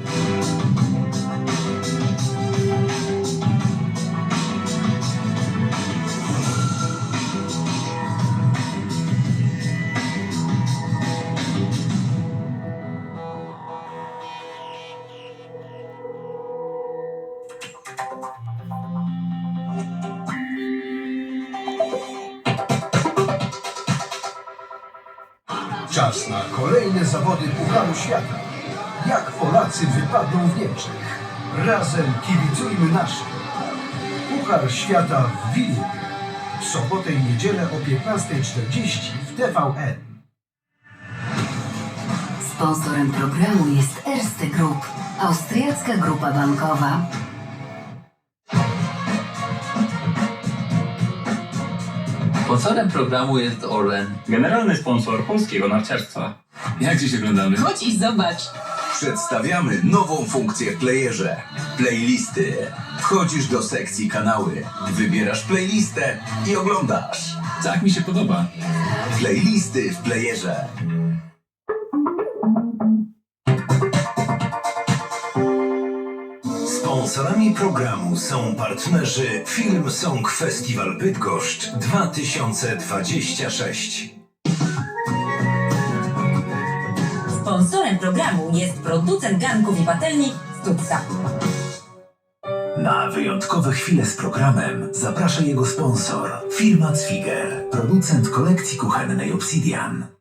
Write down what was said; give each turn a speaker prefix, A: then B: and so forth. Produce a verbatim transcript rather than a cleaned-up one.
A: Czas na kolejne zawody Pucharu Świata. Jak Polacy wypadną w Niemczech? Razem kibicujmy naszym. Puchar Świata w Wilnie. W sobotę i niedzielę o piętnasta czterdzieści w T V N.
B: Sponsorem programu jest Erste Group, austriacka grupa bankowa.
C: Sponsorem programu jest Orlen.
D: Generalny sponsor polskiego narciarstwa.
C: Jak dziś oglądamy?
E: Chodź i zobacz.
F: Przedstawiamy nową funkcję w playerze. Playlisty. Wchodzisz do sekcji kanały, wybierasz playlistę i oglądasz.
C: Tak mi się podoba.
F: Playlisty w playerze.
G: Sponsorami programu są partnerzy Film Song Festival Bydgoszcz dwa tysiące dwadzieścia sześć.
E: Sponsorem programu jest producent garnków i patelni Stutza.
G: Na wyjątkowe chwile z programem zaprasza jego sponsor, firma Zwiger, producent kolekcji kuchennej Obsidian.